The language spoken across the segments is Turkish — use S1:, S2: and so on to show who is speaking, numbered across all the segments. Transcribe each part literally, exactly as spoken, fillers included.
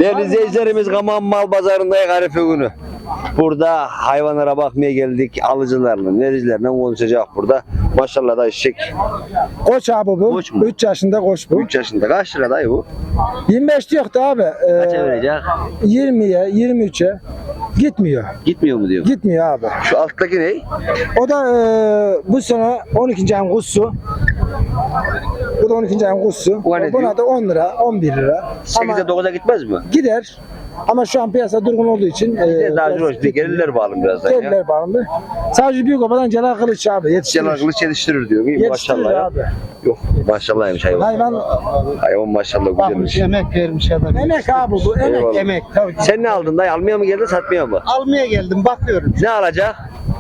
S1: Değerli izleyicilerimiz, Kaman Mal Pazarı'ndayız Arife günü. Burada hayvanlara bakmaya geldik. Alıcılarla, vericilerle konuşacak burada. Maşallah da eşek.
S2: Koç abi bu.
S1: Koç mu?
S2: üç yaşında koç bu.
S1: üç yaşında. Kaç lira dayı bu?
S2: yirmi beş yoktu abi. Ee,
S1: Kaça verecek?
S2: yirmiye, yirmi üçe gitmiyor.
S1: Gitmiyor mu diyor.
S2: Gitmiyor abi.
S1: Şu alttaki ne?
S2: O da e, bu sene on ikinci ayın kuzusu. Bu da on ikinci ayın kuzusu.
S1: O ne
S2: Buna
S1: diyor?
S2: da on lira, on bir lira.
S1: sekize
S2: Ama
S1: dokuza gitmez mi?
S2: gider. Ama şu an piyasa durgun olduğu için e,
S1: Daha
S2: biraz
S1: zor.
S2: gitmiyor.
S1: Gelirler bağlı birazdan ya.
S2: Gelirler bağımlı. Sadece büyük obadan Celal Kılıç abi yetiştirir.
S1: Celal Kılıç yetiştirir diyor. İyi,
S2: Yetiştirir
S1: maşallah ya.
S2: abi.
S1: Yok maşallahmış hayvan.
S2: Hayvan
S1: Hayvan maşallah güzelmiş.
S3: Emek vermiş adam.
S2: emek abi bu. Emek.
S1: Eyvallah.
S3: Emek tabii ki.
S1: Sen ne aldın dayı? Almaya mı geldin, satmaya mı?
S3: Almaya geldim bakıyorum.
S1: Ne alacak?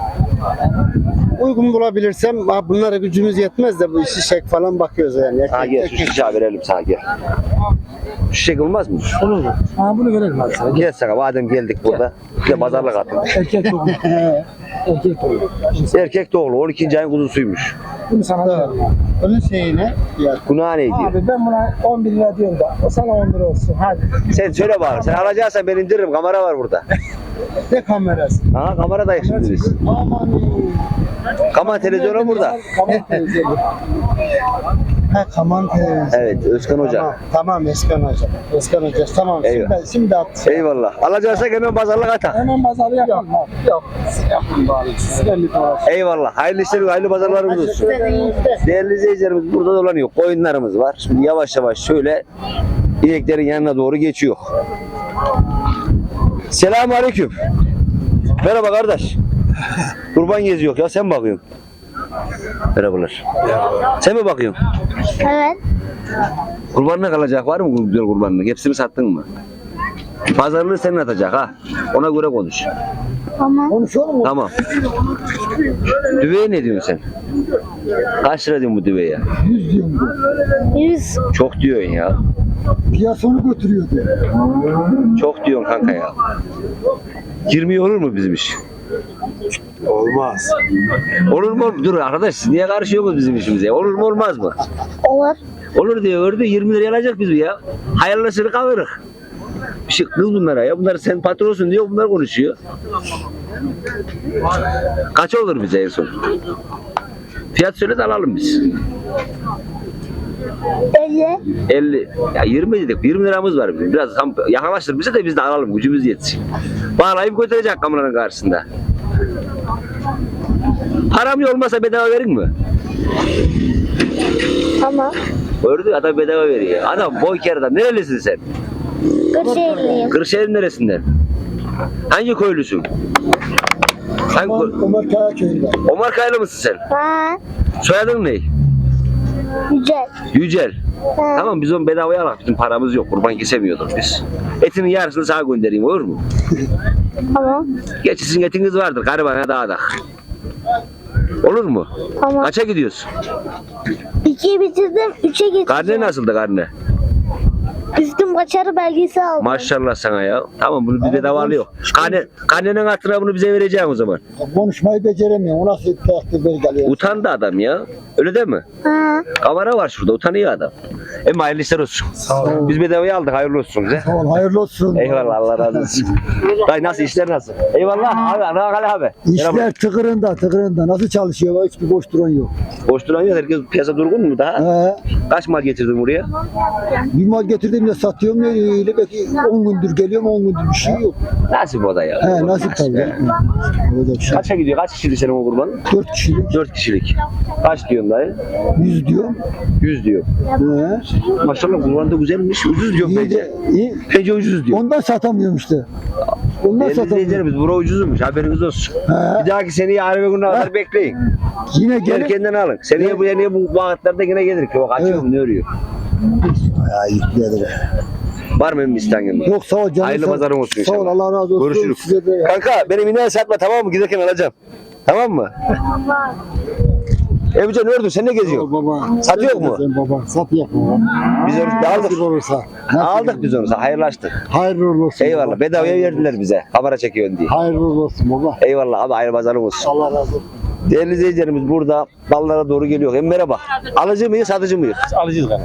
S3: Uygun bulabilirsem ha, bunlara gücümüz yetmez de bu şişek falan bakıyoruz yani.
S1: Ha gel şu şişe verelim sana gel. Şişek olmaz mı?
S2: Olur mu? Ha bunu verelim abi sana.
S1: Gel sana madem geldik burada. Bir de pazarlık atın.
S2: Erkek doğumlu. Erkek doğumlu.
S1: Erkek doğulu on ikinci ayın kuzusuymuş.
S2: Bunu sana verelim abi.
S3: Onun şeyine ya
S1: Günah ne diyor?
S2: Abi ben buna on bir lira diyorum da o sana on lira olsun hadi.
S1: Sen söyle bana. Sen alacaksan ben indiririm. Kamera var burada.
S3: ne kamerası?
S1: Ha kameradayız şimdi biz.
S3: Aman
S1: Kamera televizyonu burada.
S2: Kamera televizyonu.
S3: ha kaman televizyon.
S1: Evet Özkan Hoca.
S3: Tamam, tamam Eskan Hoca. Eskan Hoca tamam
S1: Eyvallah.
S3: şimdi, şimdi at.
S1: Eyvallah. Alacaksak hemen pazarlık atak.
S2: Hemen pazarı yapalım abi.
S3: Yok yapın bari. Siz belli tamam.
S1: Eyvallah. Hayırlı işler, hayırlı pazarlarımız olsun. Değerli izleyicilerimiz burada dolanıyor. Koyunlarımız var. Şimdi yavaş yavaş şöyle ineklerin yanına doğru geçiyor. Selamun aleyküm. Merhaba kardeş. Kurban geziyor ya, sen bakıyorsun. Merhabalar. Sen mi bakıyorsun?
S4: Evet.
S1: Kurbanına kalacak var mı güzel kurbanlık? Hepsini sattın mı? Pazarlığı senin atacak ha. Ona göre konuş.
S4: Tamam.
S2: Konuşalım mı?
S1: Tamam. Düveye ne diyorsun sen? Kaç lira diyorsun bu düveye?
S2: yüz diyorum.
S4: Yüz.
S1: Çok diyorsun ya.
S2: Piyasonu götürüyor diyor.
S1: Çok diyorsun kanka ya. yirmi olur mu bizim iş?
S2: Olmaz.
S1: Olur mu? Dur arkadaş siz niye karışıyorsunuz bizim işimize? Olur mu olmaz mı?
S4: Olur.
S1: Olur diyor gördü yirmi liraya alacak biz ya. Hayırlısını kavuruk. Bir şey kız bunlara ya. Bunlar sen patronsun diyor, bunlar konuşuyor. Kaç olur bize en son? Fiyat söyle de alalım biz.
S4: elli.
S1: elli. Ya yirmi dedik. yirmi liramız var bizim. Biraz tam yaklaştır bize de biz de alalım. Gücümüz yetsin. Bağlayıp götürecek kameranın karşısında. Param olmasa bedava verin mi?
S4: Tamam.
S1: Gördü adam bedava veriyor. Adam boy kere adam. Nerelisin sen?
S4: Kırşehirliyim.
S1: Kırşehir'in neresinden? Hangi köylüsün? Hangi köy-
S2: Ömer Kaya köyünde.
S1: Omar Kaylı mısın sen?
S4: Ha.
S1: Soyadın ne?
S4: Yücel.
S1: Yücel.
S4: Ha.
S1: Tamam biz onu bedavaya alak. Bizim paramız yok. Kurban kesemiyorduk biz. Etinin yarısını sana göndereyim olur mu?
S4: Tamam.
S1: Geçi sizin etiniz vardır. Garibana dağda. Olur mu?
S4: Tamam.
S1: Kaça gidiyorsun?
S4: İkiyi bitirdim. Üçe geçtim.
S1: Karne nasıldı karne?
S4: Üstüm kaçarı belgesi aldım.
S1: Maşallah sana ya. Tamam bunu bir bedava alıyor. Karne, karnenin hatırına bunu bize vereceksin o zaman.
S2: Konuşmayı beceremiyor. O nasıl takdir belgeliyor?
S1: Utandı adam ya. Öyle değil mi?
S4: Ha.
S1: Kamera var şurada. Utanıyor adam. Em hayırlı işler olsun.
S2: Sağ
S1: Biz bedavaya aldık. Hayırlı olsun bize.
S2: Sağ ol, hayırlı olsun.
S1: Eyvallah Allah razı olsun. Dayı nasıl işler nasıl? Eyvallah abi. Rakale abi. Merhaba.
S2: İşler tıkırında tıkırında. Nasıl çalışıyor? Hiçbir boş duran yok.
S1: Boş duran yok. Herkes piyasa durgun mu daha?
S2: He.
S1: Kaç mal getirdin buraya?
S2: Bir mal getirdiğimde satıyorum ya öyle belki on gündür geliyorum on gündür bir şey yok.
S1: Nasip o da ya.
S2: He nasip tabii.
S1: He.
S2: Olacak şey.
S1: Kaça gidiyor? Kaç kişilik senin o kurbanın?
S2: Dört kişilik
S1: Dört kişilik. Kaç diyorsun dayı?
S2: yüz diyorum.
S1: Yüz diyor.
S2: He.
S1: Maşallah kurban da güzelmiş. Ucuz diyor
S2: İyi
S1: bence.
S2: de, iyi.
S1: Bence ucuz diyor.
S2: Ondan satamıyorum işte. Ondan
S1: Değerli
S2: satamıyorum.
S1: izleyicilerimiz bura ucuzmuş. Haberiniz olsun.
S2: He.
S1: Bir dahaki seneye Arife gününe kadar bekleyin.
S2: Yine gelir.
S1: Erkenden alın. Seneye bu seneye bu vakitlerde yine gelir ki. Bak açıyorum ne örüyor.
S2: Ya yükledim.
S1: Var mı benim isteğin?
S2: Yok sağ ol canım.
S1: Hayırlı
S2: sağ-
S1: pazarın olsun
S2: Sağ ol
S1: inşallah.
S2: Allah razı olsun.
S1: Görüşürüz.
S2: Size de ya.
S1: Kanka benim ineği satma tamam mı? Giderken alacağım. Tamam mı?
S4: Tamam.
S1: Ebucan ördün sen ne geziyorsun?
S2: Baba.
S1: Satıyor mu?
S2: Sen baba. Satıyor baba.
S1: Biz onu aldık.
S2: Nasip olursa. Nasip
S1: Aldık biz onu. Hayırlaştık.
S2: Hayırlı uğurlu olsun.
S1: Eyvallah.
S2: baba.
S1: Bedavaya verdiler bize. Kamera çekiyorsun diye.
S2: Hayırlı uğurlu olsun baba.
S1: Eyvallah abi hayırlı pazarın olsun.
S2: Allah razı olsun.
S1: Değerli izleyicilerimiz burada ballara doğru geliyor. Hem merhaba. Alıcı mıyız satıcı mıyız?
S5: Alacağız kardeşim.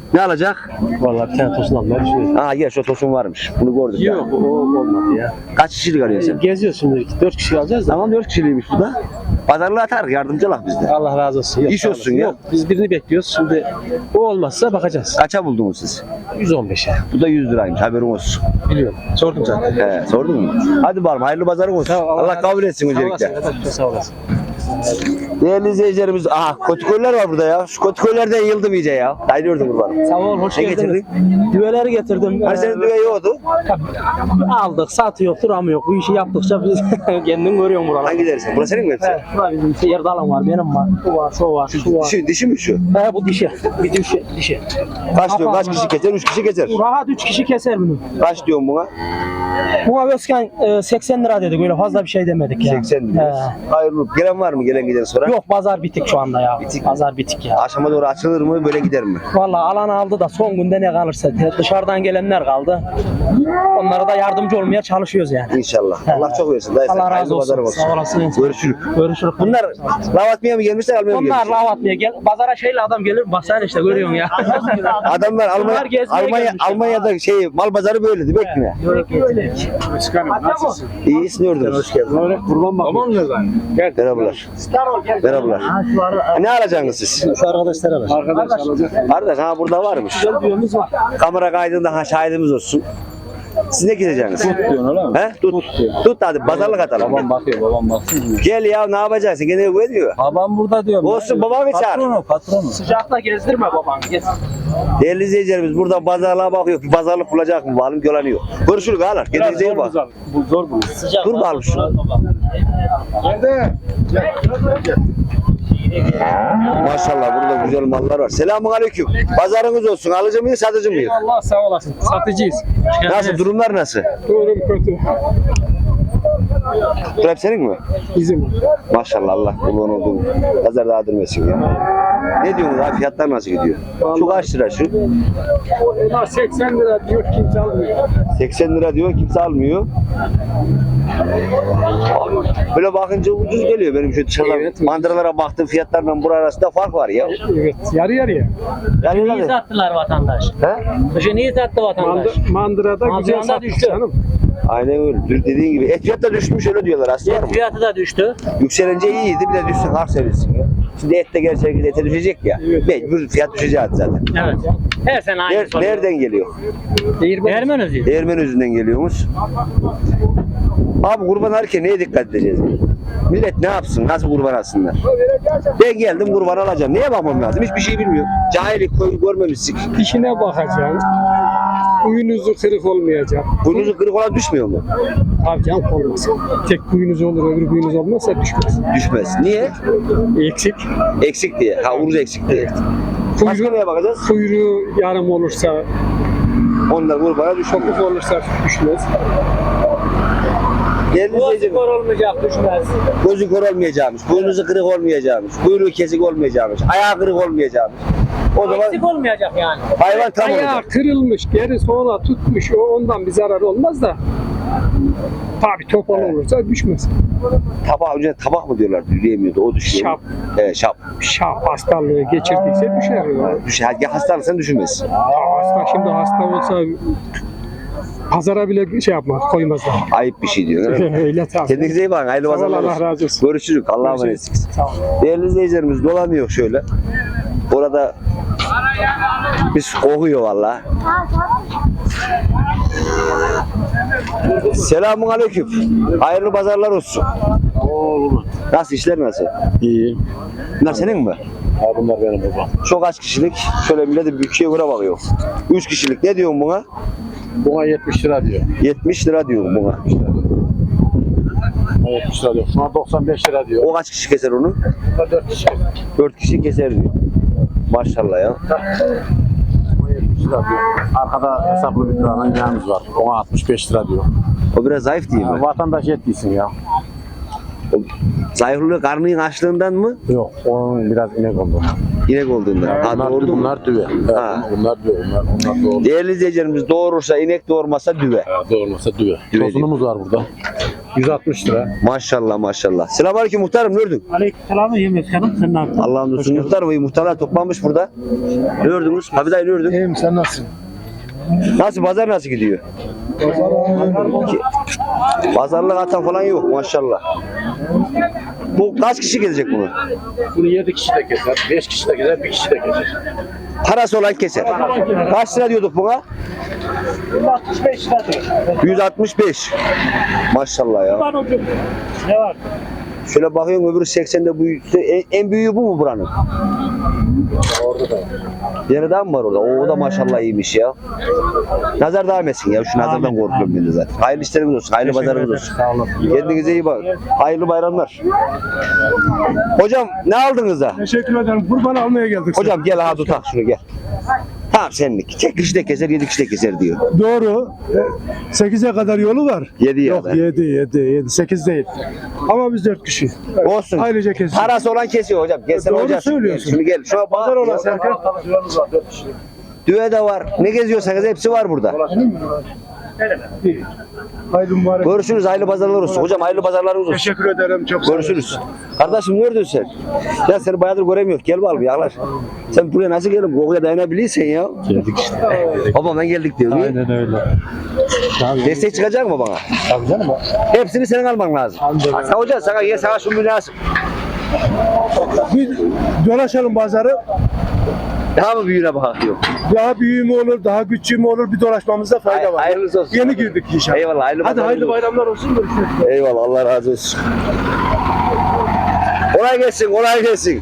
S1: Ne alacak?
S5: Vallahi bir tane tosun almayı düşünüyorum.
S1: Aa gel şu tosun varmış. Bunu gördük ya.
S5: Yok o olmadı ya.
S1: Kaç kişilik arıyorsun sen?
S5: Geziyoruz şimdi. Dört kişi alacağız da.
S1: Tamam dört kişiliymiş bu da. Pazarlığı atar yardımcı olak bizde.
S5: Allah razı olsun. Yok,
S1: İş
S5: sağ
S1: olsun
S5: olasın.
S1: ya.
S5: Yok biz birini bekliyoruz. Şimdi o olmazsa bakacağız.
S1: Kaça buldunuz siz?
S5: yüz on beşe.
S1: Bu da yüz liraymış haberin olsun.
S5: Biliyorum. Sordum zaten.
S1: He, sordun mu? Hadi bakalım hayırlı pazarın olsun.
S5: Sağ ol,
S1: Allah,
S5: Allah
S1: kabul etsin
S5: Sağ
S1: öncelikle.
S5: olasın. kardeşim, Sağ olasın.
S1: Değerli izleyicilerimiz, aha kötükoylar var burada ya. Şu kötükoylardan yıldım iyice ya. Dayanıyordum kurbanım.
S5: Sağ ol. Hoş
S1: Ne
S5: geldiniz.
S1: getirdin?
S5: Düveleri getirdim.
S1: Hani
S5: Ee,
S1: senin düve yoktu.
S5: Aldık. Satı yok. Duramı yok. Bu işi yaptıkça biz kendin görüyorsun buraları.
S1: Hangi dersin? Burası senin mi hepsi?
S5: Evet, şurada bizim seyir dalan var, benim var, şu var, şu var, şu var.
S1: Dişi, dişi mi şu?
S5: He bu dişi, bir dişi, dişi.
S1: Kaç diyorsun? Kaç kişi keser? Üç kişi keser.
S5: Rahat üç kişi keser bunu.
S1: Kaç diyorsun buna?
S5: Buna Özkan e, seksen lira dedik, öyle fazla bir şey demedik ya.
S1: seksen lira.
S5: He.
S1: Hayırlı. Gelen var mı? Gelen giden sonra?
S5: Yok pazar bitik şu anda ya.
S1: Bitik mi?
S5: Pazar bitik ya.
S1: Akşama doğru açılır mı? Böyle gider mi?
S5: Vallahi alan aldı da son günde ne kalırsa dışarıdan gelenler kaldı. Onlara da yardımcı olmaya çalışıyoruz yani.
S1: İnşallah.
S5: He.
S1: Allah çok versin. Dayı sen
S5: Allah
S1: hayırlı
S5: razı olsun.
S1: pazarın
S5: Sağ olasın.
S1: Görüşürüz.
S5: Görüşürüz.
S1: Bunlar lav atmaya mı gelmişler, almaya mı
S5: Bunlar
S1: gelmişler?
S5: lav atmaya gel. Pazara şeyle adam gelir. Bak sen işte görüyorsun ya.
S1: Adamlar Almanya,
S5: Bunlar gezmeye
S1: Almanya,
S5: gelmişler.
S1: Almanya'da şey mal pazarı böyle değil mi?
S5: Öyle.
S1: İyi gördünüz. Hoş geldin.
S5: Kurban bak. Tamam mı lan? Gel.
S1: Merhabalar. Merhabalar. Ne alacaksınız siz?
S5: Şu arkadaşlara ver.
S3: Arkadaş alacak.
S1: Kardeş ha burada varmış.
S5: Güzel düğümüz var.
S1: Kamera kaydında ha şahidimiz olsun. Siz ne gideceksiniz?
S3: Tut diyorsun öyle mi?
S1: He? Tut. Tut hadi pazarlık atalım.
S3: Babam bakıyor, babam bakıyor.
S1: Gel ya ne yapacaksın? Gene güveniyor.
S3: Babam burada diyorum.
S1: Olsun babamı çağır.
S3: Patronu, patronu.
S5: Sıcakta gezdirme babanı. Gez.
S1: Değerli izleyicilerimiz buradan pazarlığa bakıyor. Bir pazarlık bulacak mı? Bakalım gölanıyor. Görüşürüz ağalar. Kendinize iyi bak.
S3: Bu zor bu.
S5: Sıcak.
S1: Dur bakalım şunu.
S3: Nerede?
S1: Maşallah burada güzel mallar var. Selamun aleyküm. Pazarınız olsun. Alıcı mıyız, satıcı mıyız?
S3: Allah sağ olasın. Satıcıyız.
S1: Nasıl? Durumlar nasıl?
S3: Durum kötü.
S1: Bu hep senin mi?
S3: Bizim.
S1: Maşallah Allah kurban olduğum. Pazar daha durmasın ya. Ne diyorsunuz abi? Fiyatlar nasıl gidiyor? Şu kaç lira şu?
S3: Bunlar seksen lira diyor, kimse almıyor.
S1: seksen lira diyor, kimse almıyor. Böyle bakınca ucuz geliyor benim şu dışarıdan.
S3: Evet.
S1: Mandıralara baktım fiyatlarla bura arasında fark var ya.
S3: Evet, yarı yarıya.
S1: Yani
S6: Niye
S1: ne?
S6: sattılar vatandaş?
S1: He?
S6: Kışı niye sattı vatandaş?
S3: Mandı, mandırada güzel
S6: Mandırada
S3: satmış
S6: düştü.
S3: canım.
S1: Aynen öyle. Dün dediğin gibi. Et fiyatı da düşmüş öyle diyorlar aslında.
S6: Et fiyatı da düştü.
S1: Yükselince iyiydi bir de düşsün hak sevilsin ya. Şimdi et de gerçekten ete düşecek ya.
S3: Evet.
S1: Mecbur fiyat düşecek zaten.
S6: Evet. Her sene aynı
S1: Ner-
S6: soruyor.
S1: nereden geliyor?
S6: Ermen özü.
S1: Değirmen yüzünden geliyormuş. Abi kurban alırken neye dikkat edeceğiz? Millet ne yapsın? Nasıl kurban alsınlar? Ben geldim kurban alacağım. Neye bakmam lazım? Hiçbir şey bilmiyorum. Cahillik koy- görmemişsik.
S3: İşine bakacaksın. Kuyunuzu kırık olmayacak.
S1: Kuyruğu kırık olan düşmüyor mu?
S3: Tabii canım olmaz. Tek kuyunuz olur, öbür kuyunuz olmazsa düşmez.
S1: Düşmez. Niye?
S3: Eksik.
S1: Eksik diye. Ha uruz eksik diye. Başka
S3: Kuyruğu,
S1: neye bakacağız?
S3: kuyruğu yarım olursa,
S1: Onlar kurbana düşmüyor.
S3: çokuk olursa düşmez.
S1: Değerli
S6: Bu
S1: izleyiciler,
S6: skor olmayacak düşmez.
S1: gözü kör olmayacakmış, boynuzu kırık olmayacakmış, kuyruğu kesik olmayacakmış, ayağı kırık olmayacakmış. O zaman
S6: Eksik olmayacak yani.
S1: hayvan tam
S3: Ayağı
S1: olacak.
S3: kırılmış, geri sola tutmuş, o ondan bir zarar olmaz da. Tabii topal olursa düşmez.
S1: Tabak, önce tabak mı diyorlar, diyemiyordu, o düşüyor.
S3: Şap.
S1: Evet, şap.
S3: Şap hastalığı geçirdiyse düşer. Ya.
S1: Düşer. Ya hastalıksan düşürmez.
S3: Hasta şimdi hasta olsa pazara bile şey yapmaz, koymazlar.
S1: Ayıp bir şey diyor. değil mi?
S3: Öyle tabii.
S1: Kendinize iyi bakın, hayırlı
S3: Sağ ol,
S1: pazarlar
S3: Allah
S1: olsun.
S3: razı olsun.
S1: Görüşürüz, Allah'a emanetsiniz. Değerli izleyicilerimiz dolanıyor şöyle. Orada biz kokuyor valla. Selamun aleyküm. Hayırlı pazarlar olsun. Nasıl işler nasıl?
S5: İyi.
S1: Bunlar senin mi?
S5: Ha bunlar benim babam.
S1: Çok kaç kişilik? Şöyle millete bütçeye göre bakıyor. üç kişilik. Ne diyorsun buna?
S5: Buna yetmiş lira diyor.
S1: yetmiş lira diyorum buna.
S5: Buna yetmiş lira diyor. Şuna doksan beş lira diyor.
S1: O kaç kişi keser onu?
S5: Buna dört kişi.
S1: dört kişi keser diyor. Maşallah ya.
S5: Buna yetmiş lira diyor. Arkada hesaplı bir tane yağımız var. Ona altmış beş lira diyor.
S1: O biraz zayıf değil mi?
S5: Ya, vatandaş et değilsin ya.
S1: O zayıflığı karnının açlığından mı?
S5: Yok. Onun biraz inek oldu.
S1: İnek olduğunda. Ha,
S7: Bunlar,
S1: doğurdu mu?
S7: bunlar düve. Evet,
S1: Ha.
S7: bunlar düve. Bunlar, onlar doğru.
S1: Değerli izleyicilerimiz doğurursa inek, doğurmasa düve.
S7: Evet, doğurmasa düve.
S1: Düve
S7: Tosunumuz var burada. yüz altmış lira.
S1: Maşallah maşallah. Selamünaleyküm muhtarım, gördün.
S6: Aleykümselam yemek canım. Sen ne yaptın?
S1: Allah'ın olsun muhtarım. iyi muhtarlar toplanmış burada. Ne gördünüz? Hafid dayı ne gördün?
S2: İyiyim sen nasılsın?
S1: Nasıl, pazar nasıl gidiyor? Ki- Pazarlık atan falan yok maşallah. Bu kaç kişi gelecek bunu?
S7: Bunu yedi kişi de keser, beş kişi de keser, bir kişi de keser.
S1: Parası olan keser. Kaç lira diyorduk buna?
S6: altmış beş lira.
S1: yüz altmış beş. Maşallah ya.
S6: Ne var?
S1: Şöyle bakıyorum öbürü seksende, bu en, en büyüğü bu mu buranın?
S7: Orada da.
S1: Yeni daha mı var orada? O da maşallah iyiymiş ya. Nazar devam etsin ya. Şu nazardan korkuyorum ben de zaten. Hayırlı işleriniz olsun. Hayırlı pazarınız olsun.
S6: Sağ olun.
S1: Kendinize iyi bakın. Hayırlı bayramlar. Hocam ne aldınız da?
S2: Teşekkür ederim. Kurban almaya geldik.
S1: Hocam gel ha tutak şunu gel. Tamam senlik. Tek kişi de keser, yedi kişi de keser diyor.
S2: Doğru. sekize kadar yolu var.
S1: Yedi ya
S2: Yok
S1: da.
S2: yedi, yedi, yedi. sekiz değil. Ama biz dört kişi. Evet.
S1: Olsun.
S2: Ayrıca kesiyor.
S1: Parası olan kesiyor hocam. Gel sen
S2: Doğru
S1: hocam.
S2: söylüyorsun.
S1: Şunu gel. Şuna
S2: Pazar
S1: bak.
S2: olan Serkan.
S1: Düve de var. Ne geziyorsanız hepsi var burada.
S2: Hayırlı mübarek.
S1: Görüşürüz. Hayırlı pazarlar olsun. Hocam hayırlı pazarlarınız olsun.
S2: Teşekkür ederim. Çok sağ olun.
S1: Görüşürüz. Kardeşim nerede sen? Ya seni bayağıdır göremiyoruz. Gel bakalım yaklaş. Sen buraya nasıl geldin? Kokuya dayanabilirsen ya.
S7: Geldik işte.
S1: Babamdan geldik diyor.
S7: Aynen öyle.
S1: Destek çıkacak mı bana?
S7: Tabii canım.
S1: Hepsini senin alman lazım. Ha, sen hocam sana gel sana şu münasip.
S2: Bir dolaşalım pazarı.
S1: Daha mı büyüğüne bak diyor.
S2: Daha büyüğü mü olur, daha küçüğü mü olur bir dolaşmamızda fayda
S1: Hay-
S2: var.
S1: hayırlısı olsun.
S2: Yeni girdik inşallah.
S1: Eyvallah. Hayırlı
S2: Hadi
S1: pazarlar
S2: hayırlı
S1: olsun.
S2: bayramlar olsun. Görüşürüz.
S1: Eyvallah. Allah razı olsun. Kolay gelsin. Kolay gelsin.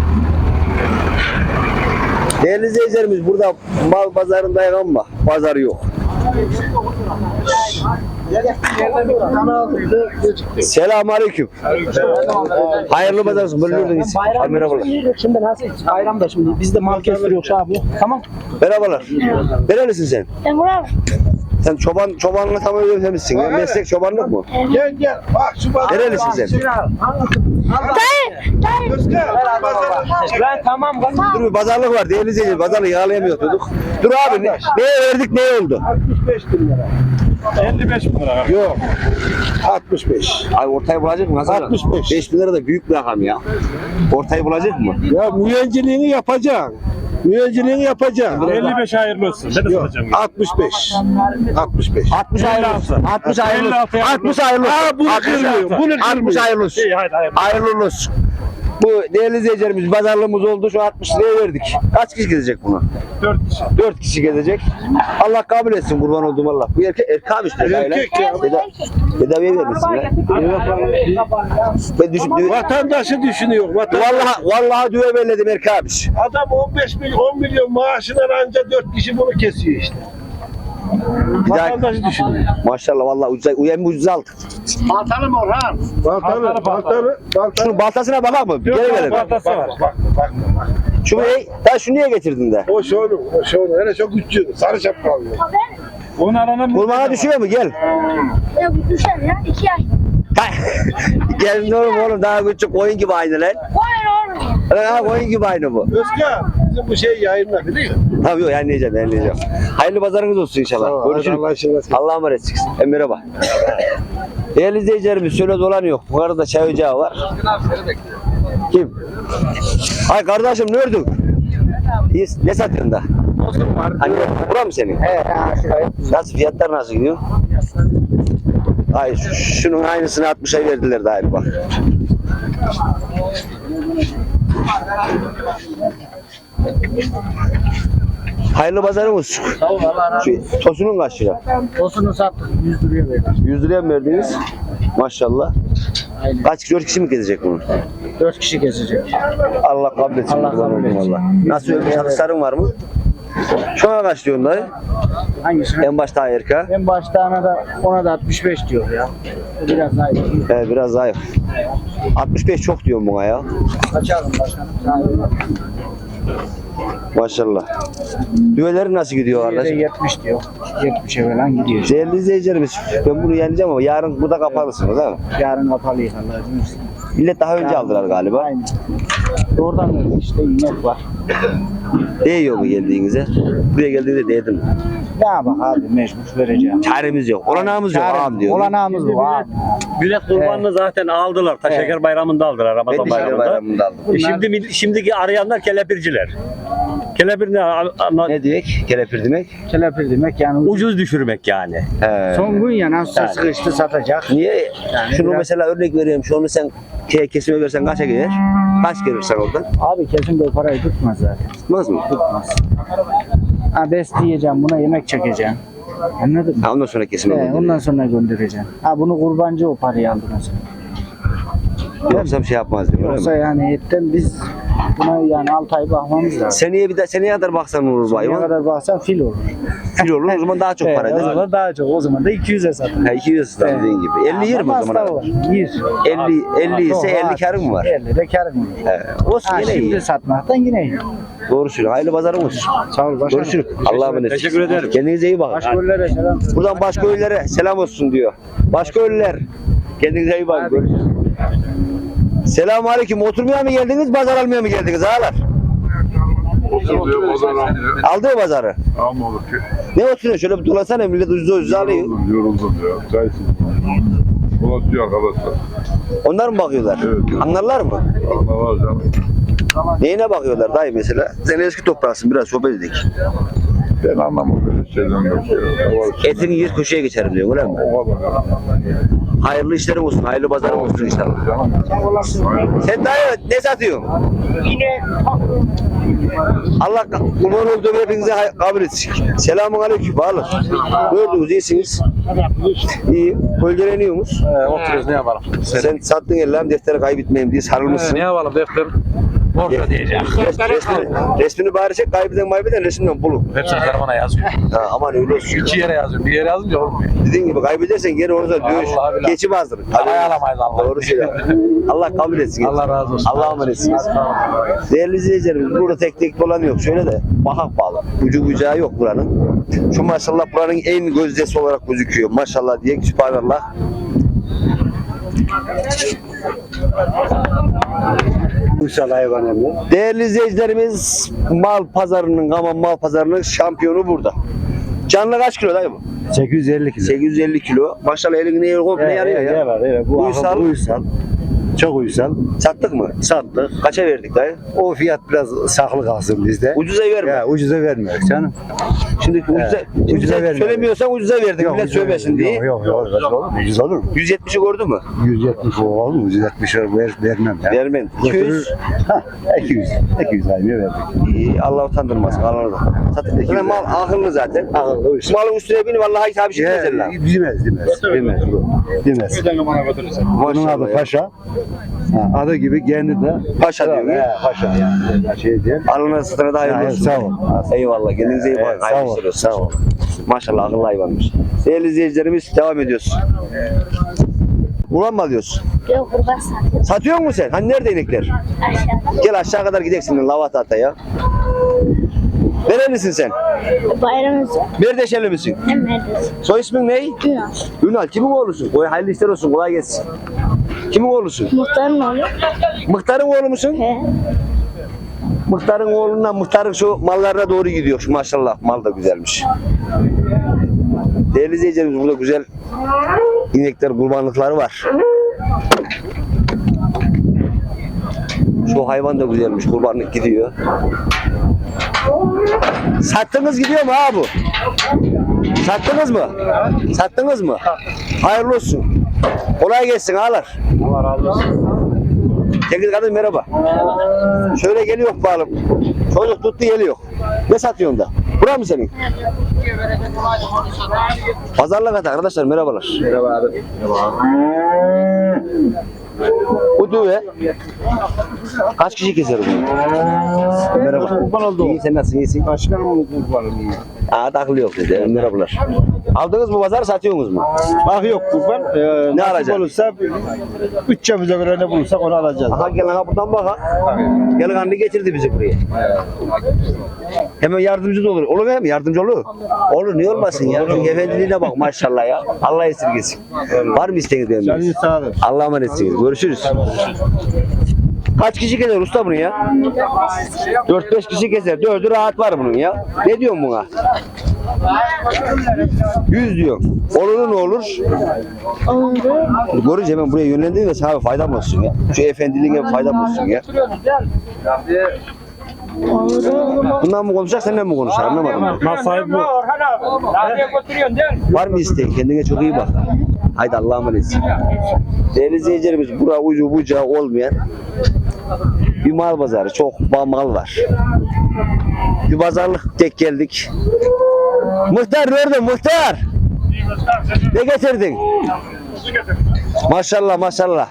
S1: Değerli izleyicilerimiz burada mal pazarındayız ama pazar yok. Selamun aleyküm. Hayırlı pazar olsun. Böyle gördünüz. Abi merhabalar.
S5: Şimdi nasıl? Bayramda şimdi biz de mal kestiriyoruz abi. Tamam.
S1: Merhabalar. Nerelisin sen?
S4: Emrah.
S1: Sen çoban çobanlığı tam öğrenmişsin. Ya. Meslek çobanlık mı?
S2: Gel gel. Bak şu pazar.
S1: Nerelisin sen?
S4: Dayı. Dayı.
S5: Ben tamam.
S1: Dur bir pazarlık var. Değerli izleyiciler. Pazarlığı yağlayamıyorduk. Dur abi. Ne, neye verdik neye oldu?
S2: altmış beş bin lira.
S7: elli beş bin lira.
S2: Yok. altmış beş.
S1: Abi ortayı bulacak mı? Nasıl?
S2: altmış beş.
S1: beş bin lira da büyük bir rakam ya. Ortayı bulacak mı?
S2: Ya mühendinciliğini yapacaksın. Mühendinciliğini yapacaksın.
S7: elli beş hayırlı olsun. Ben de
S2: Yok.
S7: satacağım.
S2: altmış beş. altmış beş.
S1: altmış hayırlı olsun. altmış hayırlı olsun.
S7: elli altı
S1: altmış hayırlı olsun.
S2: Aa, bunu
S1: altmış
S2: kırmıyor,
S1: hayırlı-
S2: bunu
S1: altmış
S2: kırmıyor.
S1: hayırlı olsun.
S7: İyi hadi hayırlı.
S1: Hayırlı olsun. Bu değerli izleyicilerimiz pazarlığımız oldu. Şu altmış liraya verdik. Kaç kişi gezecek bunu?
S7: dört kişi.
S1: dört kişi gezecek. Allah kabul etsin, kurban olduğum Allah. Bu erkek erkekmiş.
S2: Erkek ya.
S1: Tedaviye vermişsin ya. Ben düşün,
S2: Vatandaşı düşünüyor. Vatandaş.
S1: vallahi vallahi düve belledim erkekmiş.
S2: Adam on beş milyon, on milyon maaşından anca dört kişi bunu kesiyor işte.
S1: Bir daha,
S2: Vatandaşı düşünüyor.
S1: maşallah vallahi ucuza, uyan ucuza aldık.
S6: Baltalı mı Orhan?
S2: Baltalı, baltalı, baltalı.
S1: Şunun baltasına bakar mı? Gel gelelim.
S7: Baltası var.
S2: Bak, bak, bak.
S1: Şu ne? Daha şu niye getirdin de?
S2: O şonu, o şonu. Hele çok güçlü. Sarı şapkalı.
S7: Onu alana
S1: Kurmana düşüyor mu? Gel.
S4: Ya bu düşer ya. iki yaş.
S1: Gel ne oğlum oğlum daha küçük koyun gibi aynı lan.
S4: Koyun oğlum.
S1: Lan ha koyun gibi aynı bu.
S2: Özkan, bizim bu şey yayınla biliyor musun?
S1: Tabii yok yayınlayacağım yayınlayacağım. Hayırlı pazarınız olsun inşallah. Görüşürüz.
S2: Allah aşkına.
S1: Allah'a emanet çıksın. E, merhaba. Değerli izleyicilerimiz şöyle dolanıyor. Bu arada çay ocağı var. Kim? Ay kardeşim ne ördün? İyi, ne satıyorsun da? Hani bura mı senin? He, nasıl fiyatlar nasıl gidiyor? Ay şu- şunun aynısını altmışa verdiler daha bak. Hayırlı pazarın olsun.
S6: Sağ ol Allah razı olsun.
S1: Şu tosunun kaç lira?
S6: Tosunu sattık. yüz liraya verdik.
S1: yüz liraya mı verdiniz? Maşallah.
S6: Aynen.
S1: Kaç kişi, dört kişi mi gezecek bunu?
S6: dört kişi kesecek.
S1: Allah kabul etsin.
S6: Allah
S1: kurban
S6: kabul
S1: oldum
S6: etsin.
S1: Allah. Nasıl ölmüş satışların var mı? Şu an kaç diyorsun dayı?
S6: Hangisini?
S1: En başta erka.
S6: En başta ona da, ona da altmış beş diyor ya. Bu biraz daha iyi.
S1: Evet biraz zayıf. altmış beş çok diyorum buna ya.
S6: Kaçalım başkanım. Sağ olun.
S1: Maşallah. Düveleri nasıl gidiyor
S6: Bir de
S1: kardeşim?
S6: yetmiş diyor. yetmişe falan gidiyor.
S1: Değerli izleyicilerimiz ben bunu yeneceğim ama yarın bu da kapalısınız değil mi?
S6: Yarın kapalıyız Allah'ın izniyle.
S1: Millet daha önce aldılar galiba.
S6: Aynen. Oradan öyle işte inek var.
S1: Değiyor mu geldiğinize? Buraya geldiğinizde değdi mi?
S6: Ya bak abi mecbur vereceğim.
S1: Çaremiz yok. Olanağımız yok
S6: Çare-
S1: ağam diyor.
S6: Olanağımız bu abi.
S8: Bilet kurbanını zaten aldılar. Ta
S6: Evet.
S8: Şeker Bayramı'nda aldılar.
S1: Ben
S8: Ramazan
S1: de şeker
S8: Bayramı'nda.
S1: bayramında aldım.
S8: E şimdi mil- şimdiki arayanlar kelepirciler. Kelepir ne? Ama
S1: Ne diyor? Kelepir demek?
S6: Kelepir demek yani ucuz.
S8: ucuz düşürmek yani.
S1: He.
S6: Son gün ya nasıl
S8: Yani.
S6: sıkıştı satacak.
S1: Niye? Şunu
S6: biraz-
S1: mesela örnek veriyorum. Şunu sen ke- kesime versen kaça gelir? Kaç gelir sen oradan?
S6: Abi kesin böyle parayı tutmaz zaten.
S1: Tutmaz mı?
S6: Tutmaz. Ha besleyeceğim buna yemek çekeceğim. Anladın mı?
S1: Ha, ondan sonra kesime
S6: He,
S1: gönderiyor.
S6: ondan sonra göndereceğim. Ha bunu kurbancı o parayı aldı mesela.
S1: Yoksa bir şey yapmaz diyor.
S6: Yoksa
S1: Öyle mi?
S6: yani etten biz buna yani altı ay bakmamız lazım.
S1: Seneye bir de seneye kadar baksan olur bu
S6: Ne
S1: hayvan.
S6: kadar baksan fil olur.
S1: Kilo olur o zaman daha çok para
S6: Evet, o
S1: eder.
S6: zaman daha çok. O zaman da iki yüze satın.
S1: Ha, iki yüz lira dediğin gibi. elli yer mi o zaman?
S6: Var. Yer.
S1: elli, elli ise
S6: Çok
S1: elli
S6: rahat.
S1: karın mı var?
S6: elli de karın var.
S1: He, olsun
S6: Ha,
S1: yine
S6: şimdi
S1: iyi.
S6: satmaktan yine iyi.
S1: Doğru söylüyorsun. Hayırlı pazarın olsun.
S6: Sağ ol başkanım.
S1: Görüşürüz. Allah'a emanet.
S8: Teşekkür ederim.
S1: Kendinize iyi bakın.
S6: Başkollere selam.
S1: Buradan başka ölülere selam olsun diyor. Başka ölüler. Kendinize iyi bakın. Görüşürüz. Selamun aleyküm. Oturmaya mı geldiniz, pazar almaya mı geldiniz ağalar?
S9: Oturuyor, pazar almıyor.
S1: Aldı mı pazarı?
S9: Almadık ki.
S1: Ne oturuyorsun? Şöyle bir dolasana, millet ucuz ucuz alıyor.
S9: Yoruldum, yoruldum ya. Çaysız. Dolaşıyor arkadaşlar.
S1: Onlar mı bakıyorlar?
S9: Evet.
S1: Anlarlar mı?
S9: Allah var canım.
S1: Neyine bakıyorlar dayı mesela? Sen eski topraksın, biraz sohbet edelim.
S9: Ben anlamam böyle şeyden bir şey. O var.
S1: Etini yer köşeye geçerim diyor, öyle mi?
S9: O kadar.
S1: Hayırlı işlerin olsun, hayırlı pazarın olsun inşallah.
S9: Canım.
S1: Sen dayı ne satıyorsun?
S4: Yine
S1: Allah kurban olduğum hepinize hay- kabul etsin. Selamun aleyküm, bağlı. Gördünüz, iyisiniz. İyi, bölgeleniyorsunuz.
S7: Ee, oturuyoruz ne yapalım?
S1: Sen sattın ellerim defteri kaybetmeyeyim diye sarılmışsın.
S7: Ne yapalım defter? Borsa diyeceğim.
S1: Res- resmini, resmini bari çek, kaybeden kaybeden resimden bulun.
S7: Hepsini karmana yazıyor.
S1: Ha, aman öyle olsun.
S7: İki yere yazıyor. Bir yere yazınca olmuyor.
S1: Dediğin gibi kaybedersen geri orada dövüş.
S7: Vallahi billahi.
S1: Geçip azdırın.
S7: Parayı alamayız Allah.
S1: Doğru söylüyorsun. Allah kabul etsin.
S7: Allah razı olsun.
S1: Allah'a emanetsiniz. Değerli izleyicilerimiz, burada tek tek dolan yok. Şöyle de bakak bağlı. Ucu bucağı yok buranın. Şu maşallah buranın en gözdesi olarak gözüküyor. Maşallah diye sübhanallah.
S2: Uysal hayvan emmi.
S1: Değerli izleyicilerimiz, mal pazarının, Gaman mal pazarının şampiyonu burada. Canlı kaç kilo dayı bu?
S2: sekiz yüz elli kilo.
S1: sekiz yüz elli kilo. Maşallah elin neye komple yarıyor ya.
S2: Evet, evet. Bu
S1: Uysal.
S2: uysal. uysal. Çok uysal.
S1: Sattık mı?
S2: Sattık.
S1: Kaça verdik dayı?
S2: O fiyat biraz saklı kalsın bizde.
S1: Ucuza verme.
S2: Ya ucuza vermiyoruz canım.
S1: Şimdi ucuza,
S2: Evet,
S1: ucuza,
S2: ucuza vermiyorum.
S1: söylemiyorsan ucuza verdik. Millet
S2: ucuza
S1: söylemesin
S2: vermiyorum.
S1: diye.
S2: Yok yok yok. Ucuz olur mu?
S1: yüz yetmişi gördün mü?
S2: yüz yetmiş olur mu? yüz yetmiş ver, vermem ya.
S1: Vermem. iki yüz.
S2: Ha, iki yüz. iki yüz aynı verdik.
S1: İyi, Allah utandırmasın. Allah da. Satın. Yine mal akıllı zaten.
S2: Akıllı, uysal.
S1: Malın üstüne binip vallahi hitap şey
S2: Ya,
S1: mesela.
S2: Demez, demez. Demez. Demez. Bunun adı
S1: Maşallah ya.
S2: Paşa. Ha, adı gibi kendi de
S1: Paşa diyor.
S2: He, Paşa yani. Şey diye.
S1: Alına satına da hayırlı
S2: Ya,
S1: olsun.
S2: sağ ol.
S1: Eyvallah. Kendinize iyi bakın.
S2: Evet, sağ
S1: Hayırlı
S2: ol.
S1: işler olsun.
S2: Sağ ol.
S1: Maşallah akıllı hayvanmış. Değerli izleyicilerimiz devam ediyoruz. Ulan mı alıyorsun?
S4: yok kurban satıyor.
S1: Satıyor musun sen? Hani nerede inekler?
S4: Aşağıda.
S1: Gel aşağı kadar gideceksin Lavatata ya. Nerelisin sen?
S4: Bayramımız yok.
S1: Berdeşeli misin?
S4: Hem neredesin?
S1: Soy ismin ne?
S4: Günah.
S1: Ünal. Kimin oğlusun? Oy hayırlı işler olsun. Kolay gelsin. Kimin oğlusun?
S4: Muhtarın oğlu.
S1: Mıhtarın oğlu musun?
S4: He.
S1: Mıhtarın oğlundan Mıhtarın şu mallarına doğru gidiyor. Şu maşallah mal da güzelmiş. Değerli izleyicilerimiz burada güzel inekler, kurbanlıkları var. Şu hayvan da güzelmiş. Kurbanlık gidiyor. Sattınız gidiyor mu ha bu? Sattınız mı? Sattınız mı? Hayırlı olsun. Kolay gelsin ağalar.
S6: Allah razı olsun.
S1: Teknik kadın merhaba. Şöyle geliyor bağlı. Çocuk tuttu geliyor. Ne satıyorsun da? Bura mı senin? Pazarlık at arkadaşlar merhabalar.
S7: Merhaba abi.
S1: Bu düve kaç kişi keser bunu? Merhaba.
S2: Kurban oldu.
S1: İyi sen nasılsın? İyisin.
S2: Başkanım oldu kurbanım iyi.
S1: Aa takılı yok dedi. Merhabalar. Aldınız mı pazar satıyorsunuz mu?
S2: Ah yok kurban. Ee,
S1: Ne
S2: nasip
S1: alacaksın?
S2: olursa bütçemize göre ne bulursak onu alacağız.
S1: Aha gel aha buradan bak ha. Gel kanlı getirdi bizi buraya. Hemen yardımcı da olur. Olur mu hem yardımcı olur? Olur niye olmasın ya? Çünkü efendiliğine bak maşallah ya. Allah esirgesin. Var mı isteğiniz benim?
S2: Canın sağ olun.
S1: Allah'a emanetsiniz. Görüşürüz. Kaç kişi keser usta bunu ya? dört beş kişi keser. dördü rahat var bunun ya. Ne diyorsun buna? yüz diyor. Olur ne olur?
S4: Olur.
S1: Görünce hemen buraya yönlendirin de sana faydam olsun ya. Şu efendiliğine bir faydam olsun ya.
S4: Olur.
S1: Bundan mı konuşacak, senden mi konuşacak? Anlamadım.
S8: Mal sahibi bu.
S1: Var mı isteğin? Kendine çok iyi bak. Haydi Allah'a emanet. Değerli izleyicilerimiz, bura ucu bucağı olmayan bir mal pazarı. Çok mal var. Bir pazarlık tek geldik. Muhtar nerede muhtar? Ne getirdin? Maşallah maşallah.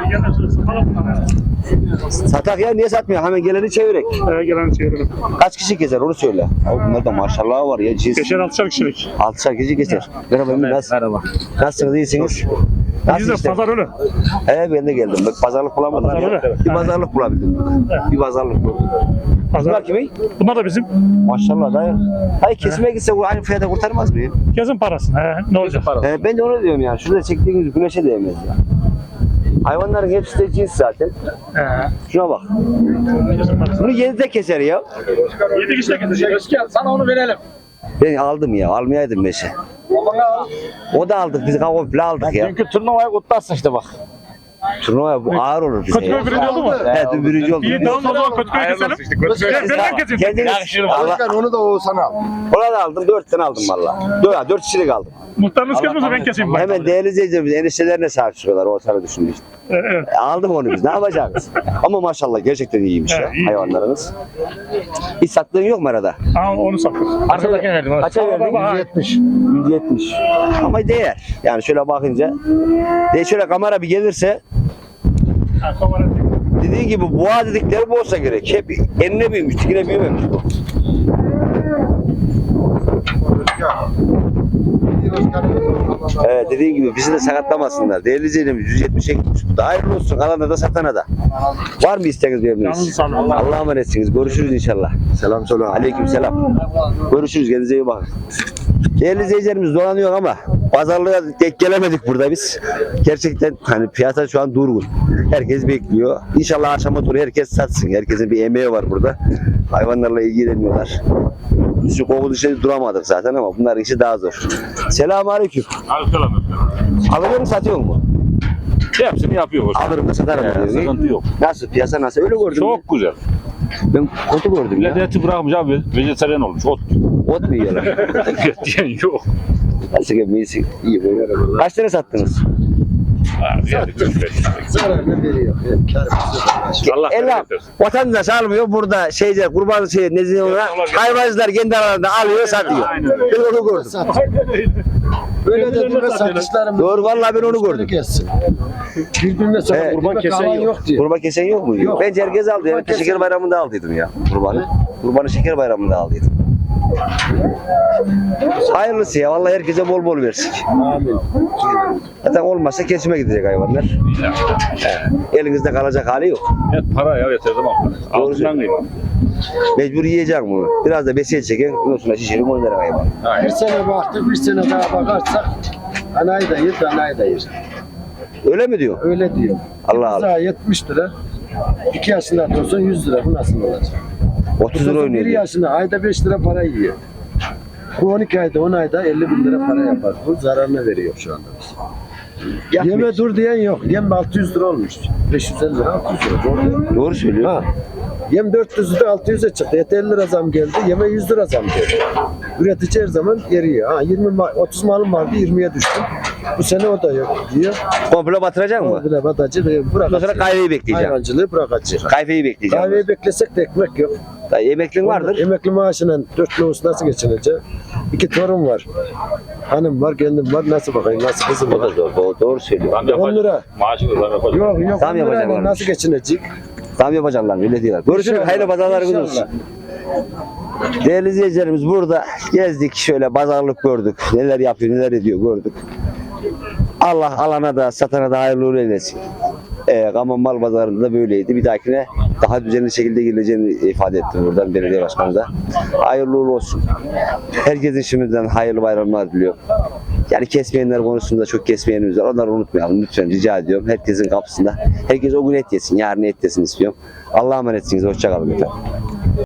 S1: Satak ya, niye satmıyor? Hemen geleni çevirek.
S8: Ee, gelen çevirelim.
S1: Kaç kişi keser onu söyle. Abi bunlarda maşallah var ya. Cins.
S8: Beşer altışar kişilik.
S1: Altışar kişi keser. Merhaba Emir, nasıl?
S5: Merhaba.
S1: Nasılsınız, iyisiniz? Nasıl
S8: Biz de
S1: işte?
S8: pazar öyle.
S1: He ben de geldim. Bak pazarlık bulamadım.
S8: Pazar öyle.
S1: Bir pazarlık bulabildim. Bir pazarlık buldum. Bunlar
S8: Pazar.
S1: kimin?
S8: Bunlar da bizim.
S1: Maşallah dayı. Hayır kesmeye gitse bu aynı fiyata kurtarmaz mı ya?
S8: Yazın parası. He, ne olacak?
S1: He, ben de onu diyorum yani. Şurada çektiğimiz güneşe değmez ya. Hayvanların hepsi de cins zaten.
S8: He.
S1: Şuna bak.
S8: Yazın parası.
S1: Bunu yedide keser ya.
S8: Yedi kişi de gidecek.
S6: Özkan sana onu verelim.
S1: Ben aldım ya. Almayaydım beşe. O da aldık. Biz komple aldık ya.
S6: Dünkü turnuvayı kutlarsın işte bak.
S1: Turnuva bu ağır olur bize.
S8: Kötü
S1: ya.
S8: bir birinci oldu mu?
S1: Evet, dün birinci oldu.
S8: İyi tamam o zaman kötü köy keselim. Ben ben keselim.
S1: Kendiniz, Allah,
S2: onu da Oğuzhan'a al.
S1: ona da aldım. Dört tane aldım valla. Dört, dört kişilik aldım.
S8: Muhtarınız kesmezse ben keseyim. bak.
S1: Hemen değerli izleyicilerimiz eniştelerine sahip çıkıyorlar. Ortada düşündü işte.
S8: Ee, Evet.
S1: E, aldık onu biz. Ne yapacağız? Ama maşallah gerçekten iyiymiş ya
S8: Evet, iyi.
S1: hayvanlarınız. Hiç sattığın yok mu arada?
S8: Aa, onu sattık.
S5: Arkadakine verdim.
S1: Kaça verdin?
S8: Baba,
S1: yüz yetmiş. yüz yetmiş. Ama değer. Yani şöyle bakınca. De şöyle kamera bir gelirse
S8: ha, kamera-
S1: dediğin gibi boğa dedikleri bu olsa gerek. Hep enine büyümüş, dikine büyümemiş bu. Evet dediğin gibi bizi de sakatlamasınlar. Değerli izleyicilerimiz yüz yetmişe gitmiş. Bu da hayırlı olsun. Alana da satana da. Var mı isteğiniz
S8: Yalnız
S1: memnunuz?
S8: sağ olun.
S1: Allah'a emanetsiniz. Görüşürüz inşallah. Selam söyle. Aleyküm selam. Görüşürüz. Kendinize iyi bakın. Değerli izleyicilerimiz dolanıyor ama pazarlığa tek gelemedik burada biz. Gerçekten hani piyasa şu an durgun. Herkes bekliyor. İnşallah akşama doğru herkes satsın. Herkesin bir emeği var burada. Hayvanlarla ilgileniyorlar. Biz şu koku dışarı duramadık zaten ama bunların işi daha zor. Selamünaleyküm.
S9: Aleyküm.
S1: Alıyor mu satıyor mu?
S9: Hepsini yapıyoruz.
S1: Alırım da satarım
S9: Ee,
S1: diyor.
S9: sıkıntı yok.
S1: Nasıl piyasa nasıl? Öyle gördüm.
S9: Çok güzel.
S1: Ben kötü gördüm ya.
S9: Lezzeti bırakmış abi. Vejetaryen olmuş. Ot.
S1: Ot mu yiyorlar?
S9: Diyen yok.
S1: Nasıl ki iyisi iyi böyle. Kaç tane sattınız?
S9: Abi yani
S2: Zararını veriyor.
S9: Allah
S1: Ella
S9: bereket versin.
S1: vatandaş almıyor burada şeyce kurban şey ne diyorlar hayvancılar kendi aralarında alıyor satıyor. Ben onu gördüm.
S2: Böyle dediğime satışlarım.
S1: Doğru vallahi ben onu gördüm.
S2: Kessin. Birbirine sonra
S1: Evet.
S2: kurban kesen yok. yok diye.
S1: Kurban kesen yok mu?
S2: Yok.
S1: Ben herkes aldı. Yani
S2: kesen-
S1: şeker bayramında aldıydım ya kurbanı. Kurbanı şeker bayramında aldıydım. Hayırlısı ya vallahi herkese bol bol versin.
S2: Amin.
S1: Zaten olmazsa kesime gidecek hayvanlar. He. Elinizde kalacak hali yok.
S9: Evet para ya yeter zaman para. Altından kıyma.
S1: Mecbur yiyeceğim bunu. Biraz da besiyet çekin. Ondan sonra şişirip oynarım hayvan.
S2: Bir sene baktık, bir sene daha bakarsak anayı da yer, danayı da yer.
S1: Öyle mi diyor?
S2: Öyle diyor.
S1: Allah Allah.
S2: Bize yetmiş lira. iki yaşında olsun yüz lira. Bu nasıl olacak?
S1: otuz lira
S2: bir
S1: oynuyor. diyor.
S2: yaşında ayda beş lira para yiyor. Bu on iki ayda on ayda elli bin lira para yapar. Bu zararını veriyor şu anda. Yeme dur diyen yok. Yem altı yüz lira olmuş. beş yüz elli lira altı yüz lira. Doğru.
S1: Doğru söylüyor.
S2: Ha. Yem dört yüz lira altı yüze çıktı. Et elli lira zam geldi. Yeme yüz lira zam geldi. Üretici her zaman eriyor. Ha, yirmi ma- otuz malım vardı yirmiye düştü. Bu sene o da yok diyor.
S1: Komple batıracak mı?
S2: Komple batacı ve
S1: Ondan sonra
S2: bırakacak.
S1: kahveyi bekleyeceğim.
S2: Hayvancılığı bırakacak.
S1: Kahveyi bekleyeceğim.
S2: Kahveyi beklesek de ekmek yok.
S1: Dayı emeklin vardır.
S2: Emekli maaşıyla dört nüfus nasıl geçinecek? İki torun var. Hanım var, kendim var. Nasıl bakayım? Nasıl kızım
S1: O da
S2: var?
S1: doğru, doğru, doğru söylüyor.
S9: Zam
S2: on
S9: yapacak.
S2: lira.
S9: Maaşı da zam yapacak.
S2: Yok yok.
S1: Tam
S2: on lirayla
S1: yapacaklarmış.
S2: nasıl geçinecek?
S1: Tam yapacaklar öyle diyorlar. Görüşürüz.
S2: İnşallah,
S1: Hayırlı pazarlarınız
S2: inşallah.
S1: olsun. Değerli izleyicilerimiz burada gezdik şöyle pazarlık gördük. Neler yapıyor neler ediyor gördük. Allah alana da satana da hayırlı uğurlu eylesin. Ee, Kaman Mal Pazarı'nda böyleydi. Bir dahakine daha düzenli şekilde girileceğini ifade ettim buradan belediye başkanı da. Hayırlı uğurlu olsun. Herkesin şimdiden hayırlı bayramlar diliyorum. Yani kesmeyenler konusunda çok kesmeyenimiz var. Onları unutmayalım lütfen, rica ediyorum. Herkesin kapısında. Herkes o gün et yesin, yarın et yesin istiyorum. Allah'a emanetsiniz. Hoşça kalın efendim.